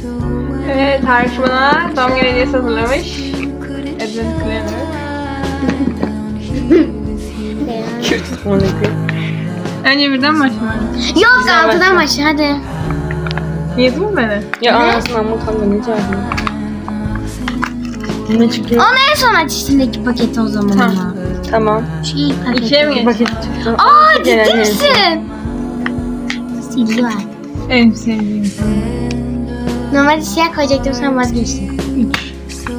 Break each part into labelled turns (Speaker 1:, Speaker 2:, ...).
Speaker 1: Evet, Tarık bana doğum günü hediyesi hazırlamış. Edwin Clemmer.
Speaker 2: Kürt monarşi.
Speaker 1: Önce birden başlayalım.
Speaker 3: Yok
Speaker 2: Güzel
Speaker 3: altıdan
Speaker 2: başla.
Speaker 3: başla hadi.
Speaker 1: Yedin mi beni?
Speaker 2: Ya anasından mutanla ne çağırdın? Ne çıkıyor?
Speaker 3: Onu en son aç içindeki paketi o zaman
Speaker 1: Tamam.
Speaker 3: ama.
Speaker 2: Tamam.
Speaker 3: Şu ilk paketi.
Speaker 1: İkiye mi
Speaker 2: Bir
Speaker 1: geçtin?
Speaker 2: paket çıktı.
Speaker 3: Aa
Speaker 2: Gelen
Speaker 3: ciddi
Speaker 2: neyse.
Speaker 3: misin? Silgi var.
Speaker 1: En sevdiğim.
Speaker 3: Normalde siyah koyacaktım sen vazgeçtin.
Speaker 1: 3.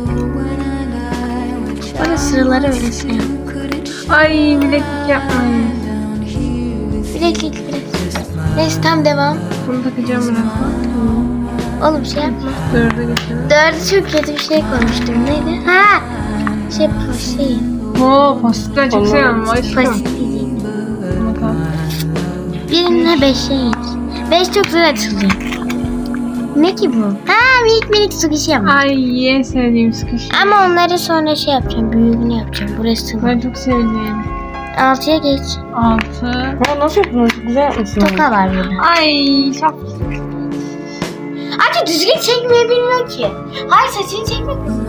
Speaker 3: Bana sıraları öyle şey yap.
Speaker 1: Ay, bileklik yapmayın.
Speaker 3: Bileklik. Neyse tam devam.
Speaker 1: Bunu takacağım birazdan.
Speaker 3: Oğlum şey yapma.
Speaker 1: 4'e geçelim.
Speaker 3: Dördü çok kötü bir şey koymuştum. Neydi? Ha! Şey.
Speaker 1: Oo, pastel çok seviyorum. Aşkım.
Speaker 3: Basit diyecektim.
Speaker 1: Bakalım.
Speaker 3: Birine 5'e geç. 5 çok zor açılacak. Ne ki bu? Ha minik sukişi yapma.
Speaker 1: Ay, en sevdiğim sıkış.
Speaker 3: Ama onları sonra şey yapacağım. Büyüğünü yapacağım. Burası.
Speaker 1: Ben çok sevdiğim.
Speaker 3: 6'ya geç.
Speaker 1: 6.
Speaker 2: Ha, nasıl yaptın? Çok güzel yapmışsın.
Speaker 3: Toka var burada.
Speaker 1: Ay, çok.
Speaker 3: Artık düzgün çekmeyi bilmiyor ki. Hayır saçını çekmek lazım.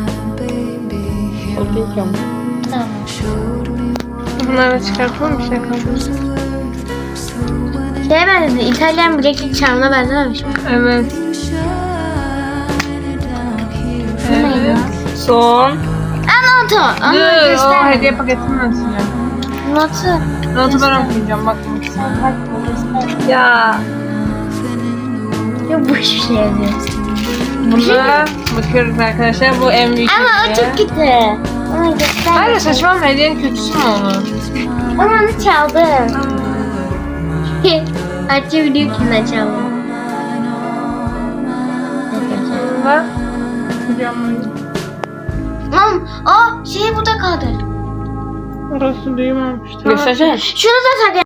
Speaker 2: Okey tamam.
Speaker 3: Tamam.
Speaker 1: Bunları da çıkartalım, bir şey kaldı.
Speaker 3: Şeye benzedi. İtalyan bileklik charmına benzememiş mi?
Speaker 1: Evet.
Speaker 3: Bu neydi?
Speaker 1: Evet.
Speaker 2: Son.
Speaker 3: Notu. Onu
Speaker 1: Dur, o
Speaker 3: göster.
Speaker 1: hediye paketini açacağım.
Speaker 3: Notu.
Speaker 1: Notu ben okuyacağım, bak. Ya.
Speaker 3: Ya boş bir şey yazıyor.
Speaker 1: Buna bakıyoruz arkadaşlar, bu en büyük
Speaker 3: Ama o
Speaker 1: hediye.
Speaker 3: çok kötü. Onu göster.
Speaker 1: Hayır, saçmalama, hediyenin kötüsü mü olur?
Speaker 3: Ama onu çaldım. Hatice biliyor kimden çaldım.
Speaker 1: Bunda kucağıma.
Speaker 3: Mam, şey burada kaldı.
Speaker 1: Orası duymamış.
Speaker 2: Göstersene.
Speaker 3: Şunu da tak.